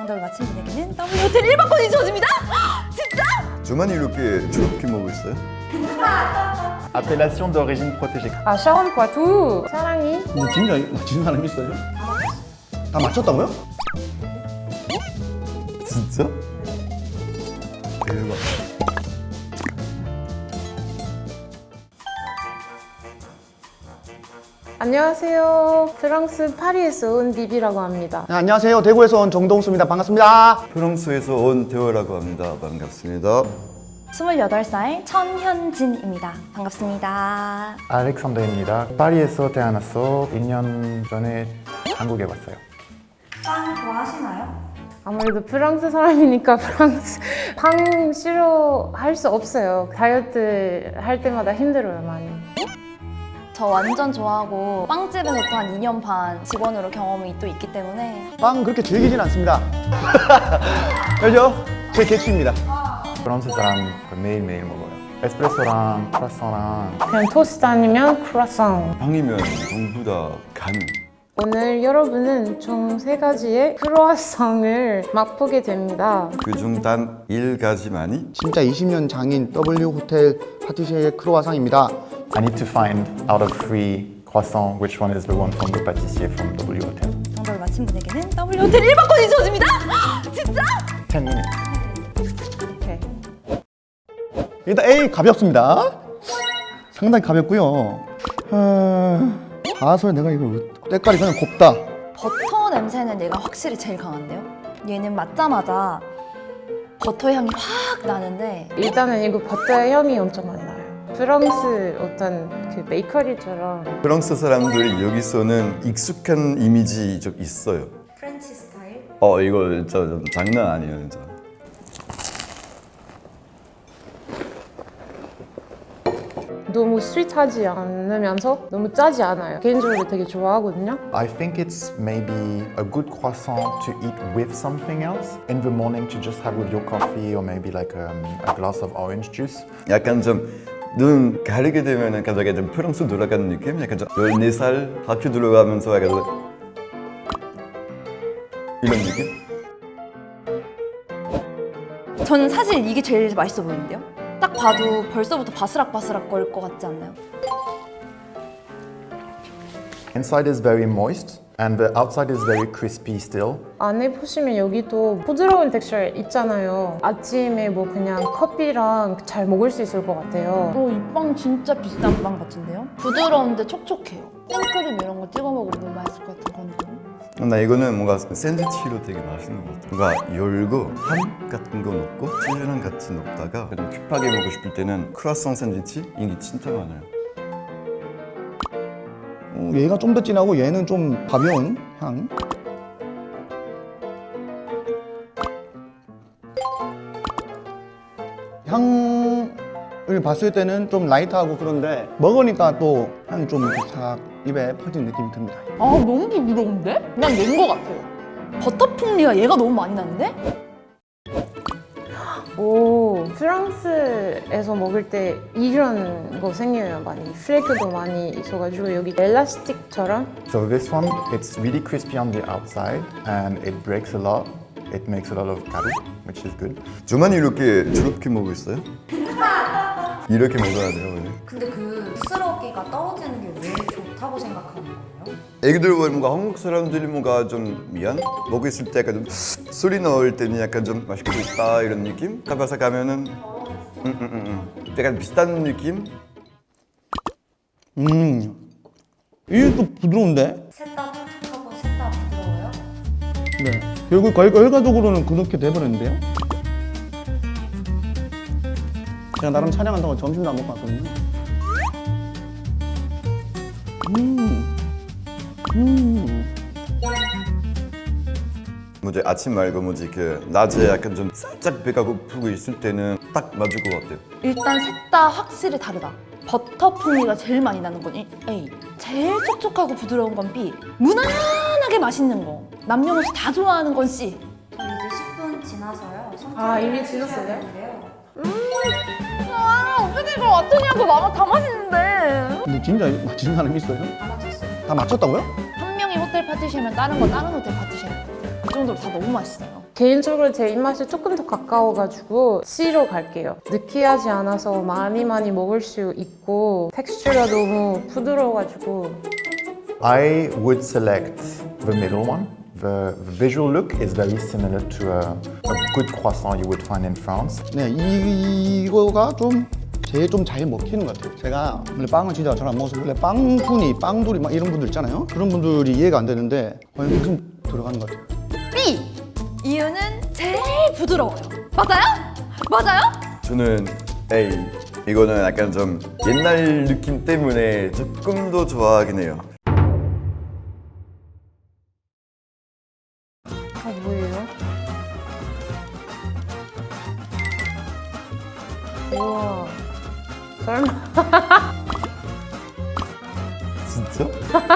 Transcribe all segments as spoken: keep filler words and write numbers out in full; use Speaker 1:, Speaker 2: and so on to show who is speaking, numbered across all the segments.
Speaker 1: 정답을 맞힌 분에게는 더블유 호텔 일 박권이 주어집니다. 진짜?
Speaker 2: 저만 이렇게 저렇게 먹고 있어요?
Speaker 3: Appellation d'origine protégée.
Speaker 4: 아, 샤원 포아투 사랑이.
Speaker 5: 근데 진짜 맞힌 사람 있어요? 다 맞췄다고요?
Speaker 2: 진짜? 대박.
Speaker 4: 안녕하세요. 프랑스 파리에서 온 비비라고 합니다.
Speaker 5: 네, 안녕하세요. 대구에서 온 정동수입니다. 반갑습니다.
Speaker 2: 프랑스에서 온 대호라고 합니다. 반갑습니다.
Speaker 1: 스물여덟 살 천현진입니다. 반갑습니다.
Speaker 3: 알렉산더입니다. 파리에서 태어나서 일 년 전에 한국에 왔어요.
Speaker 1: 빵 좋아하시나요?
Speaker 4: 아무래도 프랑스 사람이니까 프랑스 빵 싫어할 수 없어요. 다이어트 할 때마다 힘들어요, 많이.
Speaker 1: 저 완전 좋아하고 빵집에서 또 한 이 년 반 직원으로 경험이 또 있기 때문에
Speaker 5: 빵 그렇게 즐기진 않습니다. 그죠? 제 개취입니다.
Speaker 3: 프랑스 사람 그 매일매일 먹어요. 에스프레소랑 크라상랑
Speaker 4: 그냥 토스트 아니면 크루아상.
Speaker 2: 빵이면 전부 다 간.
Speaker 4: 오늘 여러분은 총 세 가지의 크루아상을 맛보게 됩니다.
Speaker 2: 그중 단 일 가지만이
Speaker 5: 진짜 이십 년 장인 더블유 호텔 파티시에의 크로와상입니다.
Speaker 3: I need to find out of three croissants which one is the one from the pâtissier from W Hotel.
Speaker 1: 정답을 맞힌 분에게는 더블유 호텔 일 박권이 주어집니다. 진짜?
Speaker 3: ten minutes.
Speaker 4: 오케이.
Speaker 5: 일단 A 가볍습니다. 상당히 가볍고요. 아, 봐서 내가 이걸 때깔이 그냥 곱다.
Speaker 1: 버터 냄새는 얘가 확실히 제일 강한데요? 얘는 맞자마자 버터 향이 확 나는데
Speaker 4: 일단은 이거 버터의 향이 엄청 많이 나요. 프랑스 어떤 그 베이커리처럼.
Speaker 2: 프랑스 사람들이 여기서는 익숙한 이미지 좀 있어요.
Speaker 1: 프렌치 스타일?
Speaker 2: 어 이거 진짜 좀 장난 아니에요 진짜.
Speaker 4: 너무 스윗하지 않으면서 너무 짜지 않아요. 개인적으로 되게 좋아하거든요.
Speaker 3: I think it's maybe a good croissant to eat with something else. In the morning to just have with your coffee or maybe like um, a glass of orange juice.
Speaker 2: 약간 좀 눈 가리게 되면은 갑자기 좀 프랑스 돌아가는 느낌? 약간 좀 열네 살 학교 들어가면서 약간 좀 이런 느낌?
Speaker 1: 저는 사실 이게 제일 맛있어 보이는데요? 딱 봐도 벌써부터 바스락바스락 거릴 것 같지 않나요?
Speaker 3: Inside is very moist and the outside is very crispy still.
Speaker 4: 안에 보시면 여기도 부드러운 텍스처 있잖아요. 아침에 뭐 그냥 커피랑 잘 먹을 수 있을 것 같아요.
Speaker 1: 어, 이 빵 진짜 비싼 빵 같은데요? 부드러운데 촉촉해요. 생크림 이런 거 찍어 먹으면 너무 맛있을 것 같은 건데.
Speaker 2: 나 이거는 뭔가 샌드위치로 되게 맛있는 것 같아. 뭔가 열고 햄 같은 거 넣고 치즈랑 같이 넣다가 좀 큐하게 먹고 싶을 때는 크루아상 샌드위치 인기 진짜 많아요.
Speaker 5: 어, 얘가 좀 더 진하고 얘는 좀 가벼운 향. 향을 봤을 때는 좀 라이트하고 그런데 먹으니까 또 향이 좀 이렇게 싹 입에 퍼지는 느낌이 듭니다.
Speaker 1: 아, 너무 부드러운데? 그냥 낸 거 같아요. 버터 풍미가 얘가 너무 많이 나는데?
Speaker 4: 오, 프랑스에서 먹을 때 이런 거 생겨요, 많이. 플레이크도 많이 있어가지고 여기 엘라스틱처럼.
Speaker 3: So this one, it's really crispy on the outside and it breaks a lot. It makes a lot of garoux, which is good.
Speaker 2: 저만 이렇게 저렇게 먹고 있어요? 이렇게 먹어야 돼요 원래.
Speaker 6: 근데 그 부스러기가 떨어지는 게 왜 좋다고 생각하는 거예요?
Speaker 2: 애기들 보면 뭔가 한국 사람들이 뭔가 좀 미안? 먹고 있을 때 약간 좀 소리 넣을 때는 약간 좀 맛있게 있다 이런 느낌? 타바사 가면은 음, 음, 음, 음. 약간 비슷한 느낌?
Speaker 5: 음, 이게 또 부드러운데?
Speaker 6: 셋 다 촉촉하고 셋 다 부드러워요?
Speaker 5: 네. 결국 결- 결과적으로는 그렇게 돼버렸는데요? 제가 나름 촬영한다고 점심도 안 먹고 왔거든요. 음, 음.
Speaker 2: 뭐지 아침 말고 뭐지 그 낮에 약간 좀 살짝 배가 고프고 있을 때는 딱 맞을 것 같아요.
Speaker 1: 일단 셋 다 확실히 다르다. 버터 풍미가 제일 많이 나는 건 A. 제일 촉촉하고 부드러운 건 B. 무난하게 맛있는 거. 남녀노소 다 좋아하는 건 C.
Speaker 6: 저 이제 십 분 지나서요.
Speaker 4: 아, 이미 지났어요?
Speaker 6: 되는데요.
Speaker 1: 아, 어떻게 이걸 맞추냐고. 마마 다 맛있는데.
Speaker 5: 근데 진짜 맞힌 사람 있어요?
Speaker 6: 다 맞췄어요.
Speaker 5: 다 맞췄다고요?
Speaker 1: 한 명이 호텔 파티시에면 다른 건 다른 호텔 파티시에. 그 정도로 다 너무 맛있어요.
Speaker 4: 개인적으로 제 입맛에 조금 더 가까워가지고 C로 갈게요. 느끼하지 않아서 많이 많이 먹을 수 있고 텍스처가 너무 부드러워가지고
Speaker 3: I would select the middle one. The, the visual look is very similar to a, a good croissant you would find in France.
Speaker 5: 네, 이, 이거가 좀 제일 좀 잘 먹히는 것 같아요. 제가 원래 빵을 진짜 잘 안 먹어서 원래 빵순이, 빵돌이 막 이런 분들 있잖아요. 그런 분들이 이해가 안 되는데 과연 무슨 들어가는 것 같아요.
Speaker 1: B! 이유는 제일 부드러워요. 맞아요? 맞아요?
Speaker 2: 저는 A. 이거는 약간 좀 옛날 느낌 때문에 조금 더 좋아하긴 해요.
Speaker 4: 아 뭐예요? 우와 설마
Speaker 2: 진짜?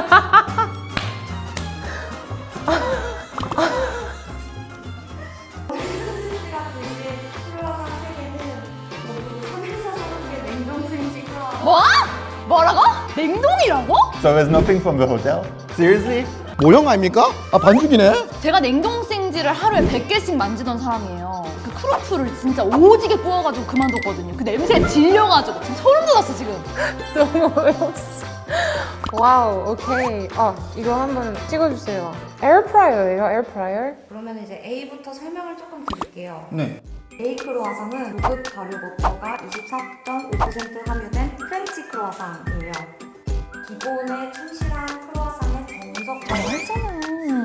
Speaker 1: 뭐? 뭐라고? 냉동이라고?
Speaker 3: So there's nothing from the hotel? Seriously?
Speaker 5: 모형 아닙니까? 아 반죽이네?
Speaker 1: 제가 냉동생지를 하루에 백 개씩 만지던 사람이에요. 그 크로플을 진짜 오지게 구워가지고 그만뒀거든요. 그 냄새에 질려가지고 지금 소름 돋았어 지금.
Speaker 4: 너무 어이없어. 와우 오케이. 아 이거 한번 찍어주세요. 에어프라이어예요 에어프라이어?
Speaker 6: 그러면 이제 A부터 설명을 조금 드릴게요.
Speaker 5: 네.
Speaker 6: A 크로와상은 고급 발효 버터가 이십사 점 오 퍼센트 함유된 프렌치 크로와상이에요. 기본에 충실한 크로와상의 정석화를
Speaker 1: 알잖아.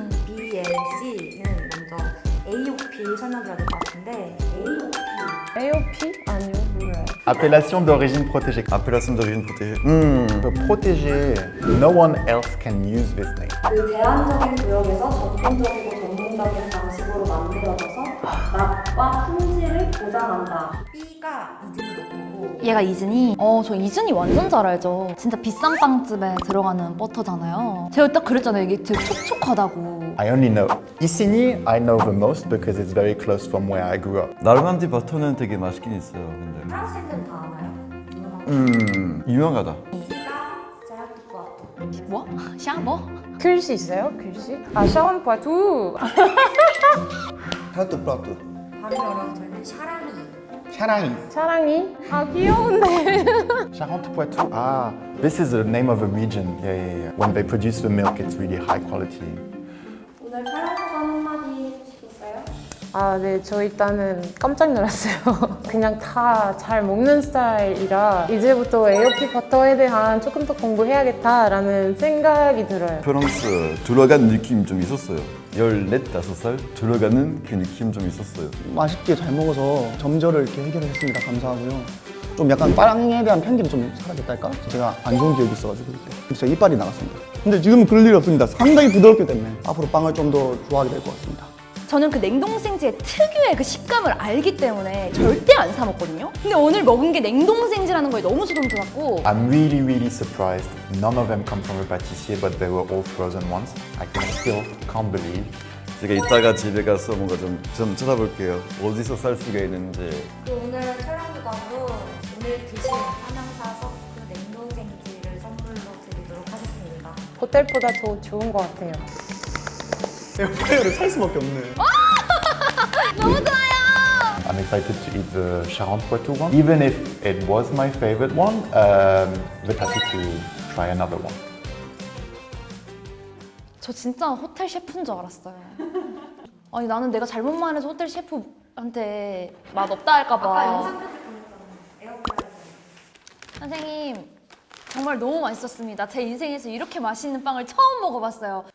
Speaker 6: 비엘씨는 먼저 에이오피 설명드려야 될 것 같은데 에이오피
Speaker 4: 에이오피? 아니요 몰라요.
Speaker 3: Appellation d'origine protégée.
Speaker 2: Appellation d'origine protégée. 음.
Speaker 3: The protégé, no one else can use this name.
Speaker 6: 그 제한적인 구역에서 전통적이고 전문적인 방식으로 만들어져서 맛과 품질을 보장한다. B가 이즈니고
Speaker 1: 얘가 이즈니? 어, 저 이즈니 완전 잘 알죠. 진짜 비싼 빵집에 들어가는 버터잖아요. 제가 딱 그랬잖아요. 이게 되게 촉촉하다고.
Speaker 3: I only know Isigny. I know the most because it's very close from where I grew up.
Speaker 2: 나르만디 버터는 되게 맛있긴 있어요. 근데.
Speaker 6: 프랑스인들은 다 아나요?
Speaker 2: 음. 유명하다.
Speaker 6: C가 제라투쿠아토.
Speaker 1: 뭐? 샤 뭐?
Speaker 4: 글씨 있어요? 글씨? 아 샤원 파투.
Speaker 5: 타투 플라투.
Speaker 6: 발음이 어려워서 저희는 샤라니.
Speaker 5: 샤랑이.
Speaker 4: 사랑이? 아 귀여운데.
Speaker 3: Charente-Poitou. Ah, this is the name of a region. Yeah, yeah, yeah. When they produce the milk, it's really high quality.
Speaker 6: 오늘 촬영 소감 한마디 해주시겠어요?
Speaker 4: 아, 네, 저 일단은 깜짝 놀랐어요. 그냥 다 잘 먹는 스타일이라 이제부터 에이오피 버터에 대한 조금 더 공부해야겠다라는 생각이 들어요.
Speaker 2: 프랑스 들어간 느낌 좀 있었어요. 열넷, 다섯 살 들어가는 그 느낌 좀 있었어요.
Speaker 5: 맛있게 잘 먹어서 점저를 이렇게 해결을 했습니다. 감사하고요. 좀 약간 빵에 대한 편견이 좀 사라졌달까? 제가 안 좋은 기억이 있어가지고 그때 진짜 이빨이 나갔습니다. 근데 지금은 그럴 일이 없습니다. 상당히 부드럽기 때문에 앞으로 빵을 좀 더 좋아하게 될 것 같습니다.
Speaker 1: 저는 그 냉동생지의 특유의 그 식감을 알기 때문에 절대 안 사 먹거든요. 근데 오늘 먹은 게 냉동생지라는 거에 너무 소름 돋았고
Speaker 3: I'm really, really surprised. None of them come from a pâtissier, but they were all frozen ones. I can still can't believe.
Speaker 2: 제가 이따가 집에 가서 뭔가 좀, 좀 찾아볼게요. 어디서 살 수가 있는지.
Speaker 6: 그 오늘 촬영보다도 오늘 드신 삼양사 서프 냉동생지를 선물로 드리도록 하겠습니다.
Speaker 4: 호텔보다 더 좋은 것 같아요.
Speaker 5: 에어프라이어를 살 수밖에 없네.
Speaker 1: 너무 좋아요.
Speaker 3: I'm excited to eat the Charente-Poitou one. Even if it was my favorite one, um, but happy to try another one.
Speaker 1: 저 진짜 호텔 셰프인 줄 알았어요. 아니 나는 내가 잘못 말해서 호텔 셰프한테 맛 없다 할까 봐.
Speaker 6: 아까 영상 편지 보냈잖아요. 에어프라이어.
Speaker 1: 선생님 정말 너무 맛있었습니다. 제 인생에서 이렇게 맛있는 빵을 처음 먹어봤어요.